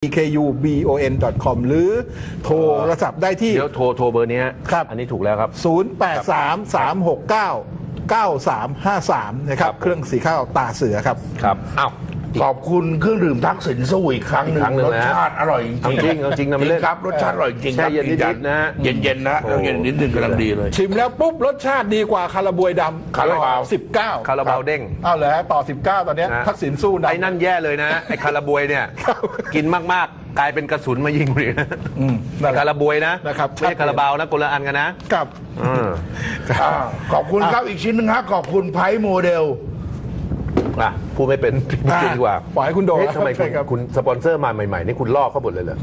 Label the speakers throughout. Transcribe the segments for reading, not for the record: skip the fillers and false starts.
Speaker 1: ekubon.com หรือโทรศัพท์ได้ที่
Speaker 2: เดี๋ยวโทรเบอร์นี้ครับอันนี้ถูกแล้วครับ
Speaker 1: 0833699353นะครับเครื่องสีข้าวตาเสือครับ
Speaker 2: ครับอ้าว
Speaker 3: ขอบคุณเครื่องดื่มทักษิณสู้อีกครั้งหนึ่งรสชาติอร่อยจริง
Speaker 2: จริงนะไม่เล่น
Speaker 3: ครับรสชาติอร่อยจริง
Speaker 2: แช่เย็นนิดนะ
Speaker 3: เย็นนะเย็นนิดนึงกำลังดีเลย
Speaker 1: ชิมแล้วปุ๊บรสชาติดีกว่าคาราบวยดำ
Speaker 3: คาราบาว
Speaker 1: 19
Speaker 2: คาราบาวเด้ง
Speaker 1: เอาเลยต่อ19ตอนนี้ทักษิณสู้ดำ
Speaker 2: ไอ้นั่นแย่เลยนะไอ้คาราบวยเนี่ยกินมากๆกลายเป็นกระสุนมายิงเลยนะคาราบวยนะครับไม่ใช่คาราบาวนะคนละอันกันนะครับ
Speaker 3: ขอบคุณครับอีกชิ้นนึงครับขอบคุณไพ่โมเดล
Speaker 2: พูดไม่เป็นพูดดีกว่า
Speaker 1: ปล่อยให้คุณโดน
Speaker 2: ทำไมคุณสปอนเซอร์มาใหม่ๆนี่คุณลอกเขาหมดเลยเหรอ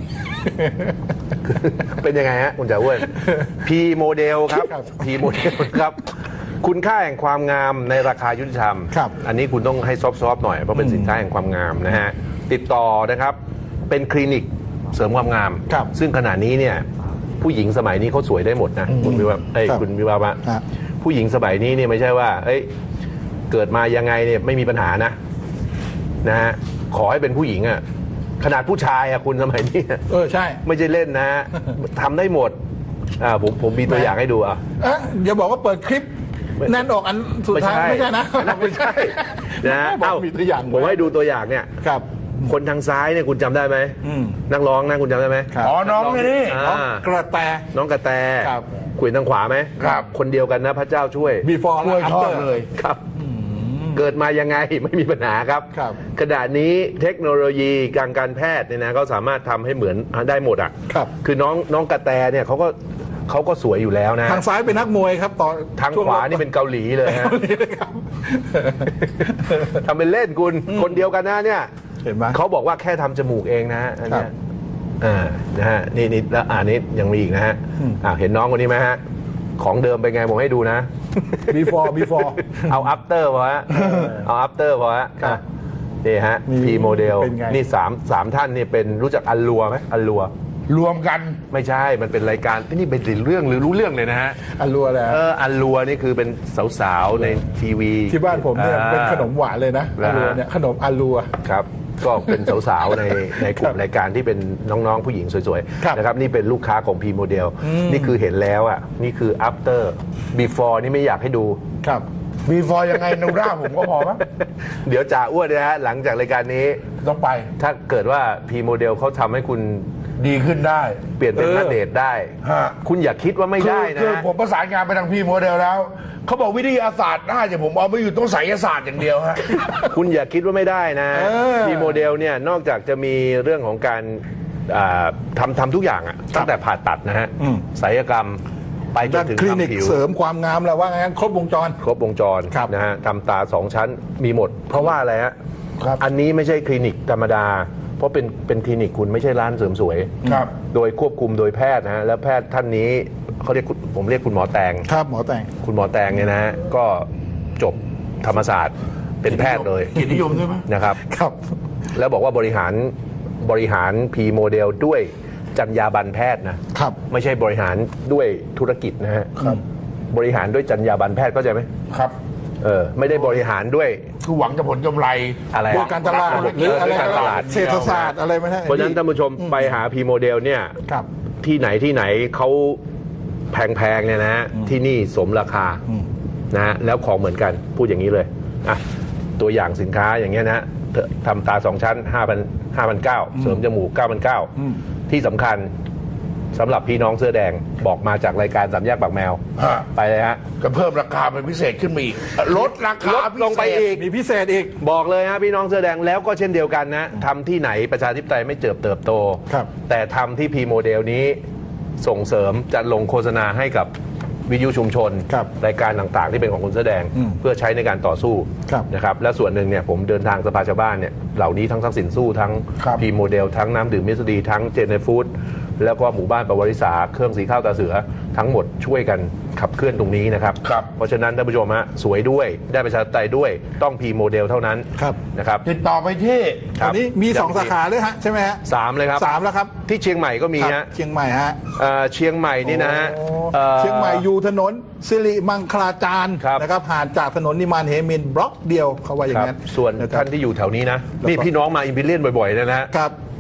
Speaker 2: เป็นยังไงฮะคุณจ่าอ้วนพีโมเดลครับพีโมเดลครับคุณค่าแห่งความงามในราคายุติธรรมอันนี้คุณต้องให้ซอฟๆหน่อยเพราะเป็นสินค้าแห่งความงามนะฮะติดต่อนะครับเป็นคลินิกเสริมความงามซึ่งขณะนี้เนี่ยผู้หญิงสมัยนี้เขาสวยได้หมดนะคุณวิวาคุณวิวาวะผู้หญิงสมัยนี้เนี่ยไม่ใช่ว่าเกิดมายังไงเนี่ยไม่มีปัญหานะฮะขอให้เป็นผู้หญิงอ่ะขนาดผู้ชายอ่ะคุณสมัยนี้
Speaker 1: ใช่
Speaker 2: ไม่ใช่เล่นนะทำได้หมดผมมีตัวอย่างให้ดู
Speaker 1: อย่าบอกว่าเปิดคลิปแน่นออกอันสุดท้ายไม่ใช่นะ
Speaker 2: ไม่ใช่นะ
Speaker 1: มีตัวอย่าง
Speaker 2: ผมให้ดูตัวอย่างเนี่ย
Speaker 1: ครับ
Speaker 2: คนทางซ้ายเนี่ยคุณจำได้ไหมนักร้องนะคุณจำได้ไหม
Speaker 3: น้องนี่
Speaker 1: กระแต
Speaker 2: น้องกระแตคุยทางขวาไหม
Speaker 3: ครับ
Speaker 2: คนเดียวกันนะพระเจ้าช่วย
Speaker 1: before
Speaker 3: ช่วยทอดเลย
Speaker 2: ครับเกิดมายังไงไม่มีปัญหาครับขณะนี้เทคโนโลยีการแพทย์เนี่ยนะเขาสามารถทำให้เหมือนได้หมดคือน้องกระแตเนี่ยเขาก็สวยอยู่แล้วนะ
Speaker 1: ทางซ้ายเป็นนักมวยครับต่อ
Speaker 2: ทางขวานี่เป็นเกาหลีเลยฮะทำเป็นเล่นคุณคนเดียวกันนะเนี่ย
Speaker 1: เห็นไหม
Speaker 2: เขาบอกว่าแค่ทำจมูกเองนะอันนี้นะฮะนี่แล้วนี้ยังมีอีกนะฮะเห็นน้องคนนี้ไหมฮะของเดิมเป็นไงผมให้ดูนะ
Speaker 1: before
Speaker 2: เอา after พอฮะเอา after พอฮะนี่ฮะ P โมเดลนี่สามท่านนี่เป็นรู้จักอัลลัวไหมอัลลัว
Speaker 3: รวมกัน
Speaker 2: ไม่ใช่มันเป็นรายการนี่เป็นเรื่องหรือรู้เรื่องเลยนะฮะ
Speaker 1: อัลลัวแหละ
Speaker 2: อัลลัวนี่คือเป็นสาวๆในทีวี
Speaker 1: ที่บ้านผมเนี่ยเป็นขนมหวานเลยนะอัลลัวเนี่ยขนมอัลลัว
Speaker 2: ครับก็เป็นสาวๆในกลุ่มรายการที่เป็นน้องๆผู้หญิงสวยๆนะครับนี่เป็นลูกค้าของ P โมเดลนี่คือเห็นแล้วอ่ะนี่คือ after before นี่ไม่อยากให้ดู
Speaker 1: ครับ
Speaker 3: before ยังไงนูร่าผมก็พอมั้ย
Speaker 2: เดี๋ยวจ่าอ้วนนะฮะหลังจากรายการนี้
Speaker 3: ต้องไป
Speaker 2: ถ้าเกิดว่า P โมเดลเขาทำให้คุณ
Speaker 3: ดีขึ้นได้
Speaker 2: เปลี่ยนเป็นนักเดทได้คุณอย่าคิดว่าไม่ได้นะ
Speaker 3: คือผมประสานงานไปทางP โมเดลแล้วเขาบอกวิทยาศาสตร์ได้แต่ผมเอาไม่อยู่ต้องไสยศาสตร์อย่างเดียวฮะ
Speaker 2: คุณอย่าคิดว่าไม่ได้นะP โมเดลเนี่ยนอกจากจะมีเรื่องของการทำทุกอย่างตั้งแต่ผ่าตัดนะฮะศัลยกรรมไปจนถึง
Speaker 1: คลินิกเสริมความงามแล้วว่างั้นครบวงจรนะฮะทำตา2 ชั้นมีหมดเพราะว่าอะไรฮะอันนี้ไม่ใช่คลินิกธรรมดาเพราะเป็นคลินิกคุณไม่ใช่ร้านเสริมสวยโดยควบคุมโดยแพทย์นะฮะแล้วแพทย์ท่านนี้เขาเรียกผมเรียกคุณหมอแตงครับหมอแตง
Speaker 2: คุณหมอแตงเนี่ยนะฮะก็จบธรรมศาสตร์เป็นแพทย์เลย
Speaker 3: เกียรตินิยมใช่ไหม
Speaker 2: นะครับแล้วบอกว่าบริหาร P โมเดลด้วยจรรยาบรรณแพทย์นะครับไม่ใช่บริหารด้วยธุรกิจนะฮะบริหารด้วยจรรยาบรรณแพทย์เข้าใจไหม
Speaker 3: ครับ
Speaker 2: ไม่ได้บริหารด้วย
Speaker 3: คือหวังจะผลกำไร
Speaker 2: อะไร
Speaker 1: การตลาดหรืออะไรการตลาดเศรษฐศาสตร์อะไรไม่ใช่
Speaker 2: เพราะฉะนั้นท่านผู้ชมไปหา P โมเดลเนี่ยที่ไหนเขาแพงๆเนี่ยนะที่นี่สมราคานะแล้วของเหมือนกันพูดอย่างนี้เลยตัวอย่างสินค้าอย่างเงี้ยนะทำตา2 ชั้น 5,900 เสริมจมูก 9,900 ที่สำคัญสำหรับพี่น้องเสื้อแดงบอกมาจากรายการ3 แยกปากแมวไปเลยฮะ
Speaker 3: ก็เพิ่มราคาเป็นพิเศษขึ้นมาอีกลดราคา
Speaker 2: ลงไปอีก
Speaker 1: มีพิเศษอีก
Speaker 2: บอกเลยฮะพี่น้องเสื้อแดงแล้วก็เช่นเดียวกันนะทำที่ไหนประชาธิปไตยไม่เติบโตแต่ทำที่ P โมเดลนี้ส่งเสริมจะลงโฆษณาให้กับวิทยุชุมชนรายการต่างๆที่เป็นของคนเสื้อแดงเพื่อใช้ในการต่อสู้นะครับและส่วนหนึ่งเนี่ยผมเดินทางสภาชาวบ้านเนี่ยเหล่านี้ทั้งทักษิณสู้ทั้ง P โมเดลทั้งน้ำดื่มมิสดีทั้งเจเนฟู้ดแล้วก็หมู่บ้านประวัติศาสตร์เครื่องสีข้าวตาเสือทั้งหมดช่วยกันขับเคลื่อนตรงนี้นะครับเพราะฉะนั้นท่านผู้ชมฮะสวยด้วยได้ประชาธิปไตยด้วยต้อง P โมเดลเท่านั้นนะครับ
Speaker 3: ติดต่อไปที่
Speaker 1: ตอนนี้มี2 สาขาเลยฮะใช่ไหมฮะ
Speaker 2: 3เลยครับ
Speaker 1: 3แล้วครับ
Speaker 2: ที่เชียงใหม่ก็มีฮะ
Speaker 1: เชียงใหม่ฮะ
Speaker 2: เชียงใหม่นี่นะฮะ
Speaker 1: เชียงใหม่อยู่ถนนสิริมังคลาจารย์นะครับห่างจากถนนนิมานเหมินบล็อกเดียวเขาว่าอย่างนั้น
Speaker 2: ส่วนท่านที่อยู่แถวนี้นะนี่พี่น้องมาอิมพีเรียนบ่อยๆนะฮะ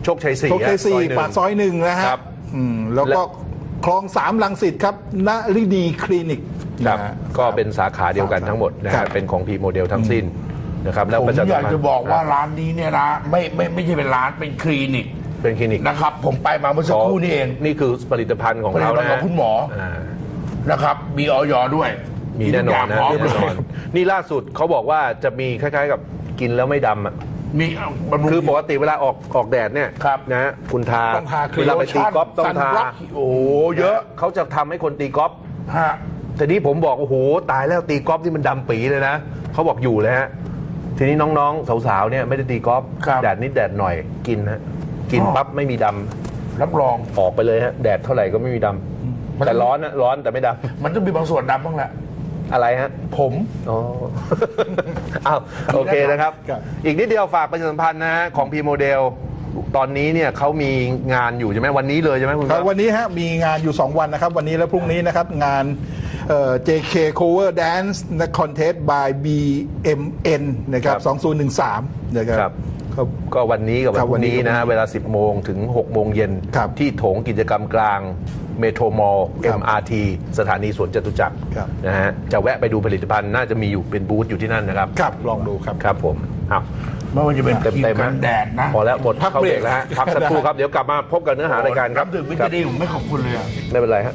Speaker 2: โชคชัย 4
Speaker 4: โชคชัย
Speaker 2: ซอย
Speaker 4: 4 ปากซอย 1 นะฮะ
Speaker 2: ครับ
Speaker 4: แล้วก็คลอง 3 รังสิตครับนฤดีคลินิก
Speaker 2: ครับ
Speaker 4: นะฮะ
Speaker 2: ก็เป็นสาขาเดียวกันทั้งหมดนะ
Speaker 4: ครั
Speaker 2: ฮะ
Speaker 4: บ
Speaker 2: เป็นของพีโมเดลทั้งสิ้นนะครับแล้ว
Speaker 3: ผม
Speaker 2: ประชาสัม
Speaker 3: อยาก
Speaker 2: พันธ์
Speaker 3: จะบอกว่าร้านนี้เนี่ยนะไม่ใช่เป็นร้านเป็นคลินิก
Speaker 2: เป็นคลินิก
Speaker 3: นะครับ ผมไปมาเมื่อสักครู่นี่เอง
Speaker 2: นี่คือผลิตภัณฑ์ของ
Speaker 3: ผลิต
Speaker 2: เรา
Speaker 3: ภัณฑ์
Speaker 2: นะ
Speaker 3: ของคุณหมอ
Speaker 2: อ่า
Speaker 3: นะครับ มีออยด้วย
Speaker 2: มีแน่นอนนะ
Speaker 3: ทุกย่างพร้อม
Speaker 2: แน่
Speaker 3: เล
Speaker 2: นอย นนี่ล่าสุดเขาบอกว่าจะมีคล้ายๆกับกินแล้วไม่ดำอะ
Speaker 3: มีบำรุง
Speaker 2: คือปกติเวลาออกแดดเนี่ย
Speaker 3: ครับ
Speaker 2: นะฮะคุณทา
Speaker 4: ต้องทาครีม
Speaker 2: เวลาไปตีกอล์ฟต้องทา
Speaker 4: ซันบล็อก
Speaker 3: โอ้โหเยอะ
Speaker 2: เขาจะทำให้คนตีกอล์ฟ
Speaker 3: ฮะ
Speaker 2: ทีนี้ผมบอกโอ้โหตายแล้วตีกอล์ฟที่มันดำปีเลยนะเขาบอกอยู่เลยฮะทีนี้น้องๆสาวๆเนี่ยไม่ได้ตีกอล์ฟ
Speaker 3: ครับ
Speaker 2: แดดนิดแดดหน่อยกินฮะกิน
Speaker 3: อ๋อ
Speaker 2: ปั๊บไม่มีดำ
Speaker 3: รับรอง
Speaker 2: ออกไปเลยฮะแดดเท่าไหร่ก็ไม่มีดำแต่ร้อนนะร้อนแต่ไม่ดำ
Speaker 3: มันต้องมีบางส่วนดำบ้างแหละ
Speaker 2: อะไรฮะ
Speaker 3: ผม
Speaker 2: อ๋อ อ้าวโอเคนะครับ
Speaker 4: ครับ
Speaker 2: อีกนิดเดียวฝากประชาสัมพันธ์นะฮะของพีโมเดลตอนนี้เนี่ยเขามีงานอยู่ใช่ไหมวันนี้เลยใช่ไหมคุณ
Speaker 4: ครับวันนี้ฮะมีงานอยู่ 2 วันนะครับ วันนี้และพรุ่งนี้นะครับ งานJK Cover Dance Contest by BMN นะครับ2013นะครับ
Speaker 2: ครับก็วันนี้กับ
Speaker 4: ครับ
Speaker 2: วันนี้
Speaker 4: วันนี้
Speaker 2: นะฮะเวลา 10 โมงถึง 6 โมงเย็น
Speaker 4: ครับ
Speaker 2: ที่โถงกิจกรรมกลางเมโทรมอล
Speaker 4: ครับ
Speaker 2: MRT สถานีสวนจตุจักร
Speaker 4: ครับ
Speaker 2: นะฮะจะแวะไปดูผลิตภัณฑ์น่าจะมีอยู่เป็นบูธอยู่ที่นั่นนะครับ
Speaker 4: ครับลองดูครับ
Speaker 2: ครับผมอ้าว
Speaker 3: ไม่ว่าจะเป็น
Speaker 2: เต็ม
Speaker 3: ครี
Speaker 2: เต็
Speaker 3: ม
Speaker 2: ม
Speaker 3: กันแดดนะ
Speaker 2: พอแล้วหมด
Speaker 4: พัก
Speaker 2: เข้า
Speaker 4: เบ
Speaker 2: เบ
Speaker 4: ร
Speaker 2: ร
Speaker 4: ก
Speaker 2: กแล้วฮะพักสักครู่ครับเดี๋ยวกลับมาพบกับเนื้อหารายการครับ
Speaker 3: น้ำดื่มวิ
Speaker 2: ค
Speaker 3: ตา
Speaker 2: รับ
Speaker 3: มินผมไม่ขอบคุณเลยอะ
Speaker 2: ไม่เป็นไรฮะ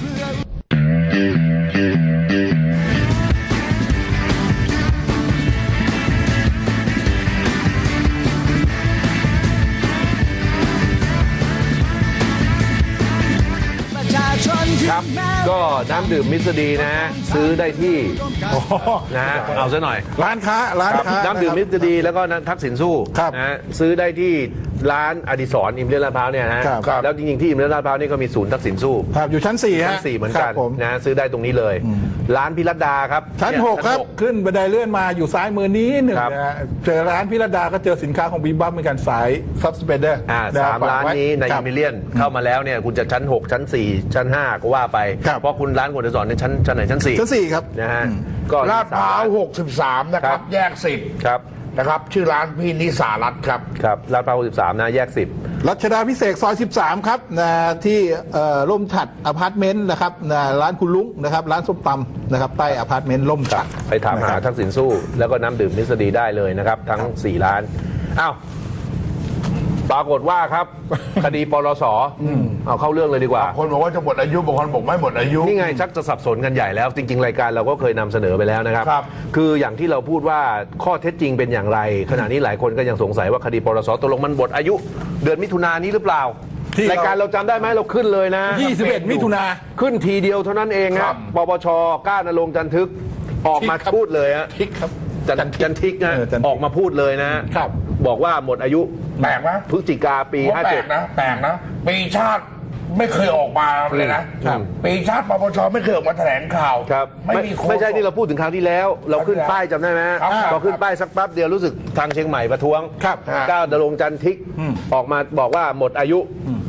Speaker 2: ครับก็น้ำดื่มมิสดีนะฮะซื้อได้ที่นะฮะเอาซะหน่อย
Speaker 4: ร้านค้า
Speaker 2: น้ำดื่มมิสดีแล้วก็ทักษิณสู้
Speaker 4: ครับ
Speaker 2: นะฮะซื้อได้ที่ร้านอดิศรอิมเลียนลาดพร้าวเนี่ยนะฮะ
Speaker 4: ครับ
Speaker 2: แล้วจริงๆที่อิมเลียนลาดพร้าวนี่ก็มีศูนย์ทักษิณสู้
Speaker 4: ครับอยู่ชั้น 4 ฮะ
Speaker 2: ชั้น 4เหมือนกัน
Speaker 4: ครับผม
Speaker 2: นะซื้อได้ตรงนี้เลย ร้านพิรัตดาครับ
Speaker 4: ชั้น
Speaker 2: เย
Speaker 4: 6 ครับ ขึ้นบันไดเลื่อนมาอยู่ซ้ายมือนี้หนึ่ง
Speaker 2: ครับ
Speaker 4: นะฮะเจอร้านพิรดาก็เจอสินค้าของบีบัมเหมือนกันสายซับสเปเดอร์
Speaker 2: สามร้านนี้ในอิมเลียนเข้ามาแล้วเนี่ยคุณจะชั้น 6 ชั้น 4 ชั้น 5 ก็ว่าไป
Speaker 4: ครับ
Speaker 2: เพราะคุณร้านคุณอดิศรในชั้นไหนชั้น 4
Speaker 4: ชั้น 4 ครับ
Speaker 2: นะฮะก็
Speaker 3: ลาดพร้าว
Speaker 2: สม
Speaker 3: 63 นะค
Speaker 2: ครั
Speaker 3: รับ
Speaker 2: บ
Speaker 3: แยก
Speaker 2: ครับ
Speaker 3: 10 นะครับ ชื่อร้านพี่นิสารัตน์ครับ
Speaker 2: ครับลาดพร้าว13นะแยก 10
Speaker 4: รัชดาพิเศษกซอย 13 ครับนะที่ร่มฉัดอพาร์ตเมนต์นะครับนะร้านคุณลุงนะครับร้านส้มตำนะครับใต้อพาร์ตเมนต์ร่มฉัด
Speaker 2: ไปถามหา
Speaker 4: นะครับ
Speaker 2: ทักษิณสู้ แล้วก็น้ำดื่มนิสดีได้เลยนะครับ ทั้ง 4 ร้าน อ้าว ปรากฏว่าครับ คดีปลสเอาเข้าเรื่องเลยดีกว่า
Speaker 3: คนบอกว่าจะหมดอายุบางคนบอกไม่หมดอายุ
Speaker 2: นี่ไงชักจะสับสนกันใหญ่แล้ว จริง ๆ รายการเราก็เคยนำเสนอไปแล้วนะครับ
Speaker 3: ครับ
Speaker 2: คืออย่างที่เราพูดว่าข้อเท็จจริงเป็นอย่างไร ขณะนี้หลายคนก็ยังสงสัยว่าคดีปลสตกลงมันหมดอายุ เดือนมิถุนายนนี้หรือเปล่า
Speaker 4: ที่เรา
Speaker 2: รายการเราจำได้ไหมเราขึ้นเลยนะ
Speaker 4: 21 มิถุนา
Speaker 2: ขึ้นทีเดียวเท่านั้นเอง
Speaker 3: ค
Speaker 2: ค
Speaker 3: รั
Speaker 2: รับ บปปชกล้านรงค์จันทึกออกมา
Speaker 4: ทิกครับ
Speaker 2: พูดเลยฮะ
Speaker 4: ทิกครับ
Speaker 2: จันทิกนะ
Speaker 4: จันทิก
Speaker 2: ออกมาพูดเลยนะ
Speaker 4: ครับ
Speaker 2: บอกว่าหมดอายุ
Speaker 3: แปลกไหม
Speaker 2: พฤศจิกาปี
Speaker 3: ผมว่าแปลกนะแปลกนะปีชาติไม่เคยออกมาเลยนะครับ ปีชาติปปชไม่เคยออกมาแถลงข่าว
Speaker 2: 57ครับ
Speaker 3: ไม่มีโค้ด
Speaker 2: ไม่ใช่ที่เราพูดถึงครั้งที่แล้ว เราขึ้นป้ายจำได้ไหม
Speaker 3: ครับ
Speaker 2: พอขึ้นป้ายสักแป๊บเดียวรู้สึกทางเชียงใหม่ประท้วง
Speaker 4: ครับ
Speaker 2: ก้าวดลงค์จันทิกออกมาบอกว่าหมดอายุ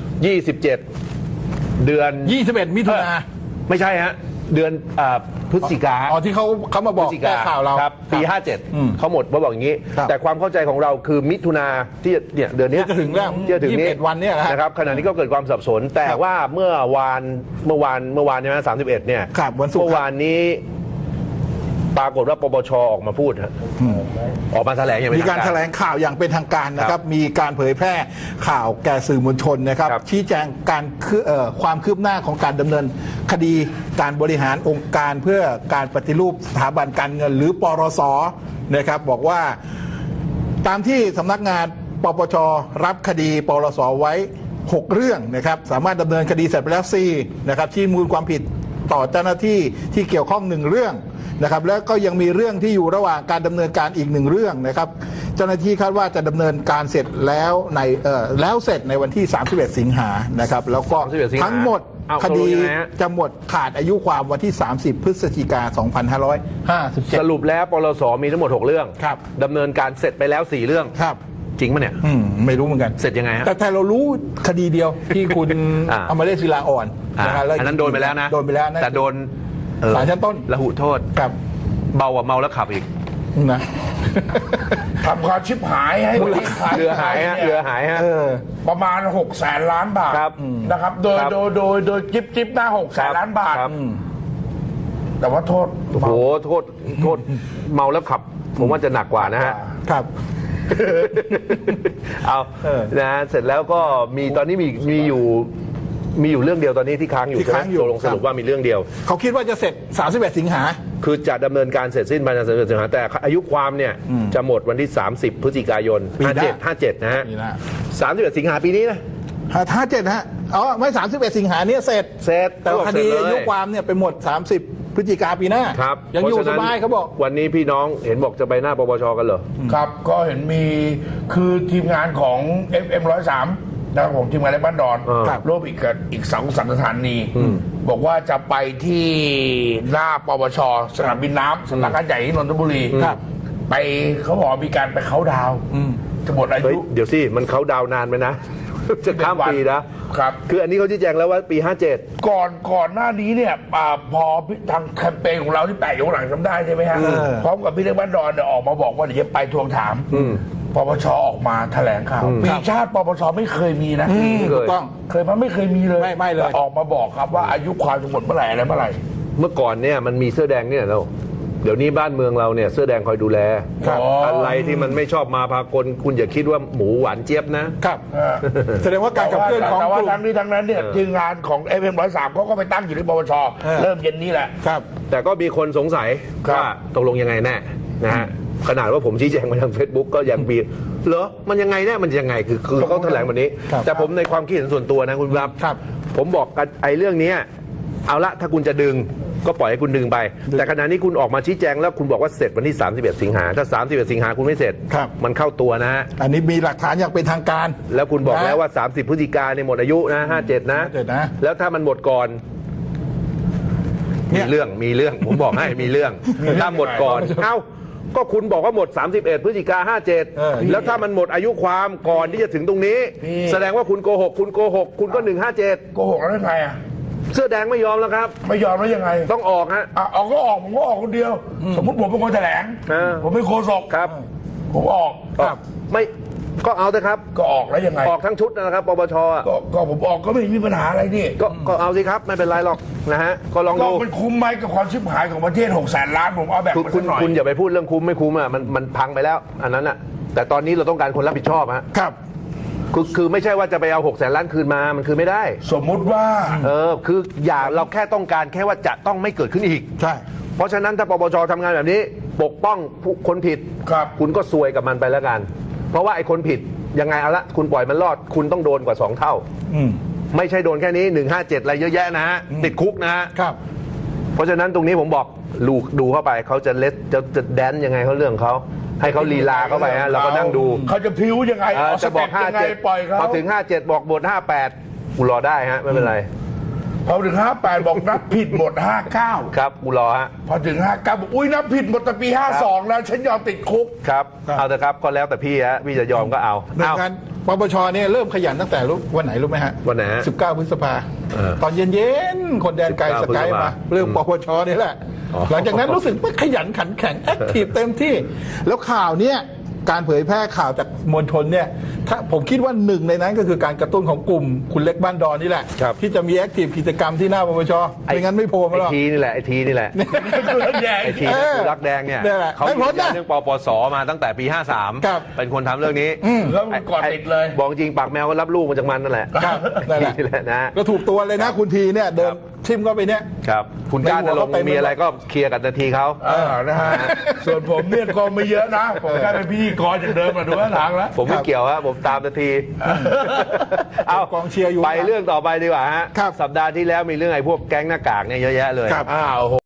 Speaker 2: 27 เดือน
Speaker 4: 21 มิถุนา
Speaker 2: ไม่ใช่ฮะเดือนพฤศจิกา
Speaker 4: อ๋อที่เขามาบอกแก้ข่าวเรา
Speaker 2: ครับปี
Speaker 4: ครับ
Speaker 2: 57เขาหมดมาบอกอย่างนี้
Speaker 4: ครับ
Speaker 2: แต่ความเข้าใจของเราคือมิถุนาที่เนี่ยเดือนเนี้ย
Speaker 4: ที่จะถึงแล้ว
Speaker 2: ที่จะถึงนี้
Speaker 4: 21วันเนี่ยนะฮะ
Speaker 2: นะครับขณะนี้ก็เกิดความสับสน แต่
Speaker 4: ครับ
Speaker 2: ว่าเมื่อวานใช่ไหม31เนี่ย
Speaker 4: ครับวันศุกร์
Speaker 2: เมื่อวานนี้ ปรากฏว่าปปชออกมาพูดฮะออกมาแถลงอย่างเป็น
Speaker 4: มีการ
Speaker 2: ทาง
Speaker 4: แถ
Speaker 2: การ
Speaker 4: ลงข่าวอย่างเป็นทางการนะค
Speaker 2: ครั
Speaker 4: รับ
Speaker 2: บ
Speaker 4: มีการเผยแพร่ข่าวแก่สื่อมวลชนนะครับ
Speaker 2: ครับ
Speaker 4: ชี้แจงความคืบหน้าของการดำเนินคดีการบริหารองค์การเพื่อการปฏิรูปสถาบันการเงิน หรือปรสนะครับ บอกว่าตามที่สำนักงานปปชรับคดีปรสไว้ 6 เรื่องนะครับ สามารถดำเนินคดีเสร็จไปแล้ว4นะครับชี้มูลความผิดต่อเจ้าหน้าที่ที่เกี่ยวข้อง1เรื่องนะครับแล้วก็ยังมีเรื่องที่อยู่ระหว่างการดำเนินการอีก1เรื่องนะครับ เจ้าหน้าที่คาดว่าจะดำเนินการเสร็จแล้วแล้วเสร็จในวันที่ 31 สิงหานะครับแล้วก็
Speaker 2: 31สิงหา
Speaker 4: ทั้งหมด
Speaker 2: เอา
Speaker 4: คดี
Speaker 2: ตกลงยังไงฮะ
Speaker 4: จะหมดขาดอายุความวันที่ 30 พฤศจิกา
Speaker 2: สรุปแล้วปลสมีทั้งหมด 6 เรื่อง
Speaker 4: ครับ
Speaker 2: ดำเนินการเสร็จไปแล้ว 4 เรื่อง
Speaker 4: 2567 ครับ
Speaker 2: จริงปะเนี่ย
Speaker 4: ไม่รู้เหมือนกัน
Speaker 2: เสร็จยังไงฮะ
Speaker 4: แต่เรารู้คดีเดียวที่คุณ อมรเดชศิลาอ่อนนะฮะแล้ว
Speaker 2: อันนั้นโดนไปแล้วนะ
Speaker 4: โดนไปแล้วนะ
Speaker 2: แต่โดน
Speaker 4: ศาลชั้นต้น
Speaker 2: ระหุโทษ
Speaker 4: ครับ
Speaker 2: เบากว่าเมาแล้วขับอีก
Speaker 4: นะ
Speaker 3: ทำความชิบหายให้ประเทศไทย
Speaker 2: เรือหายฮะ
Speaker 3: นี่
Speaker 2: เรือหายฮะ
Speaker 3: ประมาณ600,000 ล้านบาท
Speaker 2: ครับ
Speaker 3: นะครับ
Speaker 2: ครับ
Speaker 3: โดยจิ๊บหน้า600,000 ล้านบาท
Speaker 2: ครับ
Speaker 3: แต่ว่าโทษ
Speaker 2: โอ้โหโทษเมาแล้วขับ ผมว่าจะหนักกว่านะฮะ
Speaker 4: ครับ
Speaker 2: เอานะฮะเสร็จแล้วก็มีตอนนี้มีอยู่เรื่องเดียวตอนนี้ที่ค้างอยู่
Speaker 4: ที่ค้างอยู่
Speaker 2: ตกลงสรุปว่ามีเรื่องเดียว
Speaker 4: เขาคิดว่าจะเสร็จ 31 สิงหา
Speaker 2: คือจะดำเนินการเสร็จสิ้นภายใน31สิงหาแต่อายุความเนี่ยจะหมดวันที่ 30 พฤศจิกายน
Speaker 4: ปีหน้า
Speaker 2: 57นะฮะ
Speaker 4: ปีหน้า
Speaker 2: 31 สิงหาปีนี้นะ
Speaker 4: 57ฮะอ๋อไม่ 31 สิงหาเนี่ยเสร็จ
Speaker 2: เสร็จ
Speaker 4: แต่ว่าคดี
Speaker 2: เสร็จเลย
Speaker 4: อายุความเนี่ยไปหมด 30 พฤศจิกาปีหน้า
Speaker 2: ครับ
Speaker 4: ยังอยู่
Speaker 2: พระ
Speaker 4: ส
Speaker 2: ฉะนั้น
Speaker 4: บายเขาบอก
Speaker 2: วันนี้พี่น้องเห็นบอกจะไปหน้าปปชกันเหรอ
Speaker 3: ครับก็เห็นมีคือทีมงานของ FM 103นะครับของทีมงานในบ้านดอน
Speaker 2: ครับ
Speaker 3: ร่วมอีก2สังสถานี บอกว่าจะไปที่หน้าปปชสนามบินน้ำสำนักงานใหญ่ที่นนทบุรี
Speaker 4: ครับ
Speaker 3: ไปเขาบอกมีการไปเขาน์ดาวน์จะหมดอา
Speaker 2: เฮ้ย
Speaker 3: ยุ
Speaker 2: เดี๋ยวสิมันเขาดาวนานไหมนะ จะข้ามปีนะ
Speaker 3: ครับ
Speaker 2: คืออันนี้เขาชี้แจงแล้วว่าปี 57
Speaker 3: ก่อนหน้านี้เนี่ยพอทางแคมเปญของเราที่แปะอยู่ข้างหลังจำได้ใช่ไหมฮะพร้อมกับพี่เล็กบ้านดอนเนี่ยออกมาบอกว่าเดี๋ยวจะไปทวงถามปปชออกมาแถลงข่าวปีชาติปปชไม่เคยมีนะ
Speaker 4: ถูกต้อง
Speaker 3: ไม่เคยมีเลย
Speaker 4: ไม่เลย
Speaker 3: แต่ออกมาบอกครับว่าอายุความจะหมดเมื่อไหร่อะไรเมื่อไหร่
Speaker 2: เมื่อก่อนเนี่ยมันมีเสื้อแดงเนี่ยเราเดี๋ยวนี้บ้านเมืองเราเนี่ยเสื้อแดงคอยดูแล
Speaker 3: ครับ
Speaker 2: อะไรที่มันไม่ชอบมาพากลคุณอย่าคิดว่าหมูหวานเจี๊ยบนะ
Speaker 4: ครับ แสดงว่าการขับเคลื่อนของ
Speaker 3: แต่
Speaker 4: ก
Speaker 3: ว่า
Speaker 4: ลุ่ม
Speaker 3: ทั้งนี้ทั้งนั้นเนี่ยทีมงานของ FM 103เขาก็ไปตั้งอยู่ที่ปปช เริ่มเย็นนี้แหละ
Speaker 4: ครับ
Speaker 2: แต่ก็มีคนสงสัย
Speaker 3: ครับ
Speaker 2: ว่าตกลงยังไงแน่นะฮะขนาดว่าผมชี้แจงมาทาง Facebook ก็ยังมีเหรอมันยังไงแน่มันยังไงคือเขาแถลงแบบนี้
Speaker 4: ครับ
Speaker 2: แต่ผมในความคิดเห็นส่วนตัวนะคุณครับ
Speaker 4: ครับ
Speaker 2: ผมบอกกันไอ้เรื่องเนี้ยเอาละถ้าคุณจะดึงก็ปล่อยให้คุณดึงไป แต่ขณะนี้คุณออกมาชี้แจงแล้วคุณบอกว่าเสร็จวันที่ 31 สิงหาถ้า 31 สิงหาคุณไม่เสร็จ
Speaker 4: ครับ
Speaker 2: มันเข้าตัวนะฮะ
Speaker 4: อันนี้มีหลักฐานอย่างเป็นทางการ
Speaker 2: แล้วคุณบอก
Speaker 4: นะ
Speaker 2: แล้วว่า 30 พฤศจิกาเนี่ยหมดอายุนะ57 นะ
Speaker 4: 57นะ
Speaker 2: แล้วถ้ามันหมดก่อน
Speaker 4: เนี่
Speaker 2: มี
Speaker 4: ย
Speaker 2: เรื่องผมบอกให้มีเรื่องถ้าหมดก่อนเอ้าก็คุณบอกว่าหมด 31 พฤศจิกา57 แล้วถ้ามันหมดอายุความก่อนที่จะถึงตรงนี้ แสดงว่าคุณโกหกคุณก็ 157
Speaker 3: โกหกแล้วยังไงอ่ะ
Speaker 2: เสื้อแดงไม่ยอมแล้วครับ
Speaker 3: ไม่ยอมแล้วยังไง
Speaker 2: ต้องออกฮะ
Speaker 3: ออกก็ออกผมก็ออกคนเดียว สมมติผมเป็นคนแถลง ผมเป็นโฆษก
Speaker 2: ครับ
Speaker 3: ผมออก
Speaker 2: ไม่ก็เอาเถอะครับ
Speaker 3: ก็ออกแล้วยังไง
Speaker 2: ออกทั้งชุดนะครับปปชอ่ะ
Speaker 3: ก็ผมออกก็ไม่มีปัญหาอะไรนี่
Speaker 2: ก็เอาสิครับไม่เป็นไรหรอกนะฮะก็ลอง
Speaker 3: ก็
Speaker 2: ดู
Speaker 3: มันคุ้มไหมกับความชิบหายของประเทศ600,000 ล้านผมเอาแบบ
Speaker 2: คุณ
Speaker 3: มา
Speaker 2: คุ
Speaker 3: สั
Speaker 2: ณ
Speaker 3: กหน่อย
Speaker 2: คุณอย่าไปพูดเรื่องคุ้มไม่คุ้มอ่ะมันพังไปแล้ว อันนั้นอ่ะแต่ตอนนี้เราต้องการคนรับผิดชอบฮะ
Speaker 4: ครับ
Speaker 2: คือไม่ใช่ว่าจะไปเอา600,000 ล้านคืนมามันคือไม่ได้
Speaker 3: สมมุติว่า
Speaker 2: คืออย่าเราแค่ต้องการแค่ว่าจะต้องไม่เกิดขึ้นอีก
Speaker 4: ใช่
Speaker 2: เพราะฉะนั้นถ้าปปชทำงานแบบนี้ ปกป้องผู้คนผิด
Speaker 3: ครับ
Speaker 2: คุณก็ซวยกับมันไปแล้วกัน เพราะว่าไอ้คนผิดยังไงเอาละคุณปล่อยมันรอด คุณต้องโดนกว่า 2 เท่า
Speaker 4: อืม
Speaker 2: ไม่ใช่โดนแค่นี้ 157 อะไรเยอะแยะนะฮะติดคุกนะฮะ
Speaker 4: ครับ
Speaker 2: เพราะฉะนั้นตรงนี้ผมบอกดูเข้าไปเขาจะจะแดนยังไงเขาเรื่องเขาให้เขาลีลาเข้าไปฮะเราก็นั่งดู
Speaker 3: เขาจะพริ้วยังไงเอาส
Speaker 2: จะบ
Speaker 3: เต็
Speaker 2: อก
Speaker 3: ปยังไงปล่อยเขา
Speaker 2: พอถึง 57 บอกบท 58 กูรอได้ฮะไม่เป็นไร
Speaker 3: พอถึง58บอกนับผิดหมด59
Speaker 2: ครับกูรอฮะ
Speaker 3: พอถึง59บอกอุ้ยนับผิดหมดแต่ปี52แล้วฉันยอมติดคุก
Speaker 2: ครับ
Speaker 4: ครับ
Speaker 2: เอาเถอะครับก็แล้วแต่พี่ฮะพี่จะยอมก็เอา
Speaker 4: หน่วยงานปปชเนี่ยเริ่มขยันตั้งแต่วันไหนรู้ไหมฮะ
Speaker 2: วันไหนฮะ
Speaker 4: 19 พฤษภา ตอนเย็นๆ คนแดนไกล
Speaker 2: 19
Speaker 4: สกาย
Speaker 2: พฤษภา
Speaker 4: มา เรื่องปปชนี่แหละ
Speaker 2: อ๋อ
Speaker 4: หลังจากนั้นรู้สึกว่าขยันขันแข็งแอคทีฟเต็มที่ แล้วข่าวเนี่ยการเผยแพร่ข่าวจากมวลชนเนี่ยถ้าผมคิดว่าหนึ่งในนั้นก็คือการกระตุ้นของกลุ่มคุณเล็กบ้านดอนนี่แหละ
Speaker 2: ครับ
Speaker 4: ที่จะมีแอคทีฟกิจกรรมที่หน้าปปชไม่งั้นไม่โผล่มาหรอก
Speaker 2: ไอทีนี่แหละไอทีนี่แหละ ไอที
Speaker 4: เออ
Speaker 2: คือรักแดงเนี่ย
Speaker 4: เนี่ยแหละ
Speaker 2: เขา
Speaker 4: ไม่
Speaker 2: ยื
Speaker 4: พ้น
Speaker 2: นยั
Speaker 4: นะ
Speaker 2: นเรื่องปปสมาตั้งแต่ปี
Speaker 4: ครับ
Speaker 2: 53 เป็นคนทำเรื่องนี้
Speaker 3: แล้วมันก่อนติดเลย
Speaker 2: บอกจริงปากแมวก็รับลูกมาจากมันนั่นแหละ
Speaker 4: ครับนั่นแหละ
Speaker 2: นี่แหละนะ
Speaker 4: ก็ถูกตัวเลยนะคุณทีเนี่ยเดินทิมเข้าไปเนี่ย
Speaker 2: ครับคุณกล้าจะลง
Speaker 4: ในหัวเขาเต็ม
Speaker 2: มีอะไรก็เคลียร์กับนาทีเขา
Speaker 3: นะฮะ ส่วนผมเนี่ยก็ไม่เยอะนะ ผมแค่เป็นพิธีกรจากเดิมมาดูข้างหลังแล้ว
Speaker 2: ผมไม่เกี่ยวฮะผมตามนาที เอา
Speaker 4: กองเชียร์อยู่
Speaker 2: ไปเรื่องต่อไปดีกว่าฮะ
Speaker 4: ครับ
Speaker 2: สัปดาห์ที่แล้วมีเรื่องไอ้พวกแก๊งหน้ากากเนี่ยเยอะแยะเลย
Speaker 4: ครับ
Speaker 3: อ้าว